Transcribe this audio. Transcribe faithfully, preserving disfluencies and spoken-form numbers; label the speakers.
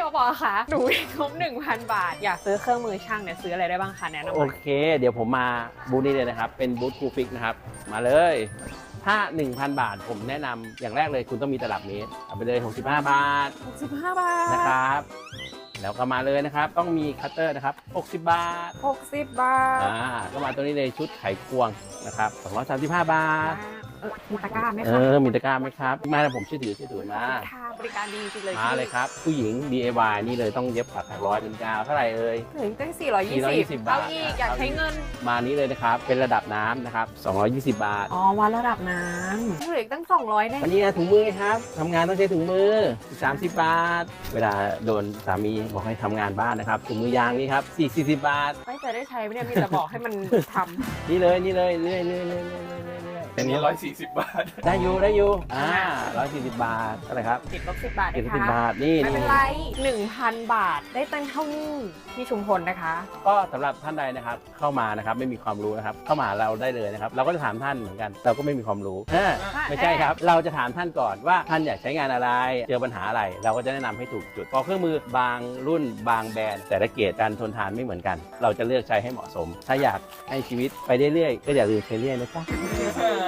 Speaker 1: โอปอค่ะหนูงบหนึ่งพันบาทอยากซื้อเครื่องมือช่างเนี่ยซื้ออะไรได้บ้างคะแนะนำห
Speaker 2: โอ
Speaker 1: น่อย
Speaker 2: เค เดี๋ยวผมมาบูธนี้เลยนะครับ เป็นบูธคูฟิกนะครับ มาเลยถ้า หนึ่งพัน บาทผมแนะนำอย่างแรกเลยคุณต้องมีตลับเมตรเอาไปเลยหกสิบห้าบาท
Speaker 1: หกสิบห้าบาท
Speaker 2: นะครับแล้วก็มาเลยนะครับต้องมีคัตเตอร์นะครับหกสิบบาท
Speaker 1: หกสิบบาท
Speaker 2: อ่าก็มาตัวนี้เลยชุดไขควงนะครับสองร้อยสามสิบห้าบาท
Speaker 1: เออมีตะกร้าไหม
Speaker 2: เอ
Speaker 1: คะ
Speaker 2: อมีตะกร้าไหมครับมาแล้วผมช่วยถือช่วยถือมา
Speaker 1: ค่ะบริการดีจริงๆเลย
Speaker 2: มาเลยครับผู้หญิง ดี ไอ วาย นี่เลยต้องเย็บปักถักร้อยเป็นกาวเท่าไหร่เอ่ย
Speaker 1: ถึงตั้งสี่ร้อยยี่
Speaker 2: สี่ร้อยยี่สิ
Speaker 1: สิ
Speaker 2: บบ บาท
Speaker 1: เอาอีกอยากใช้เงิน
Speaker 2: มานี้เลยนะครับเป็นระดับน้ำนะครับสองร้อยยี่สิบบาท
Speaker 1: อ๋อวัดระดับน้ำเหลืออีกตั้งสองร้อยแน่
Speaker 2: วันนี้นะถุงมือครับทำงานต้องใช้ถุงมือสามสิบบาท เวลาโดนสามีบอกให้ทำงานบ้านนะครับถุงมือยางนี่ครับสี่สิบบาท
Speaker 1: ไม่จะได้ใช้ไหมเนี่ยมีแต่บอกให้มันทำ
Speaker 2: นี่เลยนี่เลยเรื่อยเรื่อยเรื่อยเรื่อยเรื่อยเรื่อย
Speaker 3: อันนี้ร้อยสี่สิบบาท
Speaker 2: ได้อยู่ได้อยู่อ่าร้อยสี่สิบบาทอะไรครับ
Speaker 1: ติดลบสิบบาท
Speaker 2: เจ็ด
Speaker 1: นะ
Speaker 2: สิบ
Speaker 1: คะ
Speaker 2: บาทนี่
Speaker 1: ไม่
Speaker 2: นี่
Speaker 1: เป็นไรหนึ่งพันบาทได้ตั้งเท่านี้ที่ชุมพลนะคะ
Speaker 2: ก็สำหรับท่านใดนะครับเข้ามานะครับไม่มีความรู้นะครับเข้ามาหาเราได้เลยนะครับเราก็จะถามท่านเหมือนกัน เราก็ไม่มีความรู้เออไม่ใช่ครับ เราจะถามท่านก่อนว่าท่านอยากใช้งานอะไรเจอปัญหาอะไร เราก็จะแนะนำให้ถูกจุดเพราะเครื่องมือบางรุ่นบางแบรนด์แต่ละเกรดการทนทานไม่เหมือนกัน เราจะเลือกใช้ให้เหมาะสม ถ้าอยากให้ชีวิตไปเรื่อยๆก็อย่าลืมใช้เรื่อยนะจ๊ะ